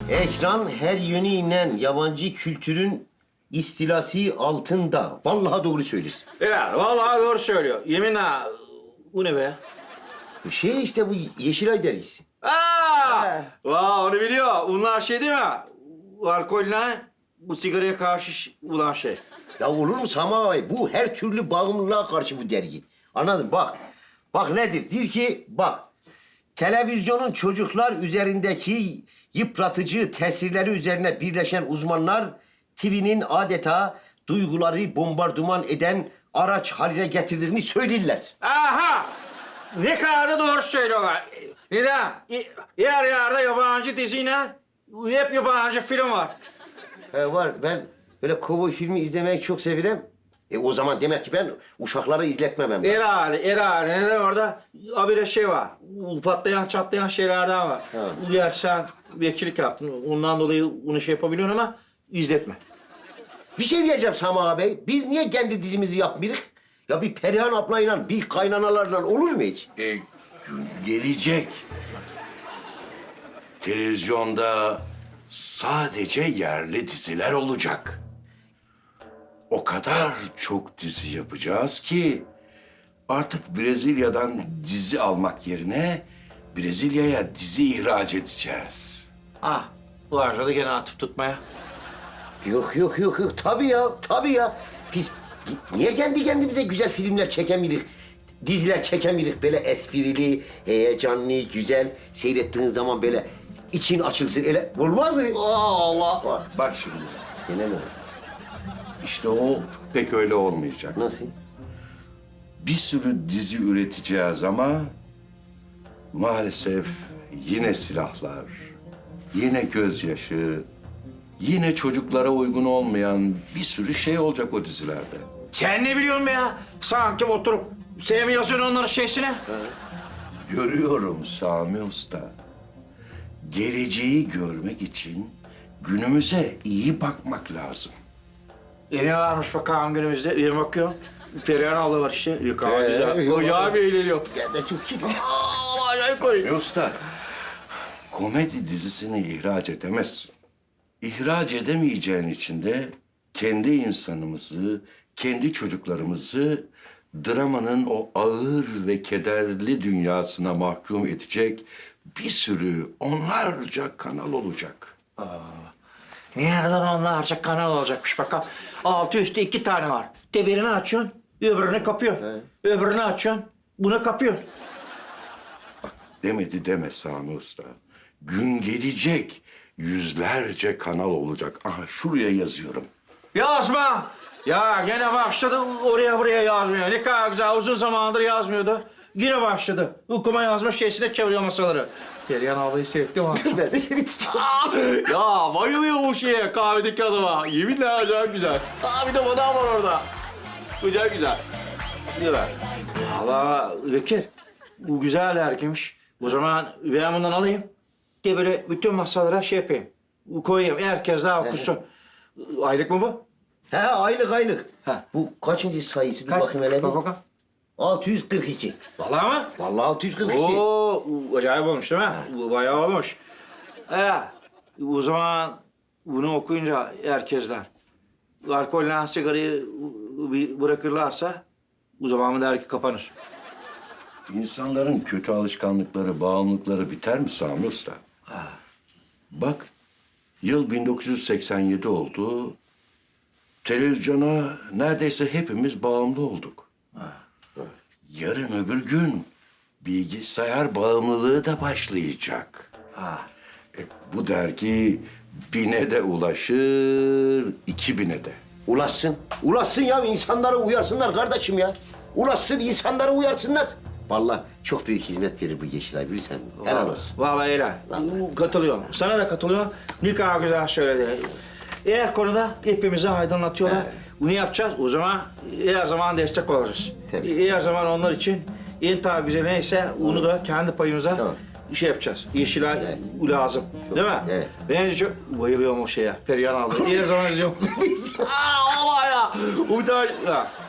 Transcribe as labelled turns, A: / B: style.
A: Ekran her yönüyle yabancı kültürün istilası altında. Vallahi doğru söylüyorsun.
B: Ya vallahi doğru söylüyor. Yeminle bu ne be?
A: Şey işte bu Yeşilay dergisi.
B: Aa! Onu biliyor. Bunlar şey değil mi? Alkolle bu sigaraya karşı olan şey.
A: Ya olur mu Sami abi? Bu her türlü bağımlılığa karşı bu dergi. Anladın? Bak. Bak nedir? Diyor ki bak. Televizyonun çocuklar üzerindeki yıpratıcı tesirleri üzerine birleşen uzmanlar TV'nin adeta duyguları bombardıman eden araç haline getirdiğini söylerler.
B: Aha! Ne kadar da doğru söylüyorlar. Neden? Yer yerde yabancı diziler, hep yabancı film var.
A: Var. Ben böyle kovboy filmi izlemeyi çok severim. O zaman demek ki ben uşaklara izletmemem.
B: Herhalde. Neden orada? Habire şey var. Patlayan, çatlayan şeylerden var.
A: Ha.
B: Gerçi sen bekçilik yaptın. Ondan dolayı bunu şey yapabiliyorsun ama izletme.
A: Bir şey diyeceğim Sami abi. Biz niye kendi dizimizi yapmıyoruz? Ya bir Perihan ablayla, bir kaynanalarla olur mu hiç?
C: Gelecek. Televizyonda sadece yerli diziler olacak. O kadar çok dizi yapacağız ki artık Brezilya'dan dizi almak yerine Brezilya'ya dizi ihraç edeceğiz.
B: Bu arada gene atıp tutmaya.
A: Yok. Tabii ya. Biz niye kendi kendimize güzel filmler çekemiyoruz? Diziler çekemiyoruz böyle esprili, heyecanlı, güzel. Seyrettiğiniz zaman böyle için açılsın. Öyle olmaz mı?
B: Allah!
C: Bak şimdi,
A: Gene mi?
C: işte o pek öyle olmayacak.
A: Nasıl?
C: Bir sürü dizi üreteceğiz ama maalesef yine silahlar, yine gözyaşı, yine çocuklara uygun olmayan bir sürü şey olacak o dizilerde.
B: Sen ne biliyorsun be ya? Sanki oturup sevmiyorsun onların şeysine.
C: Görüyorum Sami Usta. Geleceği görmek için günümüze iyi bakmak lazım.
B: Ne varmış bakalım günümüzde? Bir bakıyorum. Perihan abla var işte. Yok abi güzel.
A: yok
B: Hoca
A: abi.
B: abi eğleniyor.
A: Ben de çok şükür.
B: Acayip koyun.
C: Sami Usta, komedi dizisini ihraç edemezsin. İhraç edemeyeceğin için de kendi insanımızı, kendi çocuklarımızı dramanın o ağır ve kederli dünyasına mahkum edecek bir sürü onlarca kanal olacak.
B: Nereden onlarca kanal olacakmış bakalım. Altı üstü 2 tane var. Birini açıyorsun, öbürünü kapıyorsun. Öbürünü açıyorsun, bunu kapıyorsun.
C: Demedi deme Sami Usta. Gün gelecek yüzlerce kanal olacak. Aha şuraya yazıyorum.
B: Yazma! Ya gene başladı oraya buraya yazmıyor. Ne kadar güzel uzun zamandır yazmıyordu. Yine başladı. Okuma yazma şeysine çeviriyor masaları. Perihan ablayı seyrettim mi?
A: Ben de seyredeceğim.
B: Ya bayılıyor bu şeye kahvedeki adama. Yeminle acayip güzel. Bir de bana var orada. Güzel. Güzel. Allah Bekir. Bu güzel erkemiş. O zaman ben bundan alayım. De böyle bütün masalara şey yapayım. Koyayım. Herkes daha okusun. Aylık mı bu?
A: Aylık.
B: Ha.
A: Bu kaçıncı sayısı? Dur
B: Kaç?
A: bakayım hele bir.
B: Bak bakalım.
A: 642.
B: Vallahi mı?
A: Vallahi 642.
B: Oo, acayip olmuş değil mi? Bu bayağı olmuş. O zaman bunu okuyunca herkesler alkolle sigarayı bırakırlarsa o zaman mı dergi kapanır?
C: İnsanların kötü alışkanlıkları, bağımlılıkları biter mi Sami Usta? Bak, yıl 1987 oldu. Televizyona neredeyse hepimiz bağımlı olduk. Yarın öbür gün bilgisayar bağımlılığı da başlayacak. Bu dergi 1000'e de ulaşır, 2000'e de.
A: Ulaşsın ya insanları uyarsınlar kardeşim ya. Ulaşsın insanları uyarsınlar. Vallahi çok büyük hizmet verir bu Yeşilay bilirsen. Helal olsun.
B: Vallahi helal. Katılıyorum. Sana da katılıyorum. Ne kadar güzel söyledi. Eğer konuda hepimizi aydınlatıyorlar. Bunu yapacağız. O zaman her zaman destek olacağız.
A: Tabii.
B: Her zaman onlar için en tabi güzel neyse onu da kendi payımıza
A: Tamam.
B: şey yapacağız. Yeşilay lazım. Değil mi?
A: Evet.
B: Ben çok bayılıyorum o şeye. Perihan abla. Her zaman izliyorum. Vallahi ya.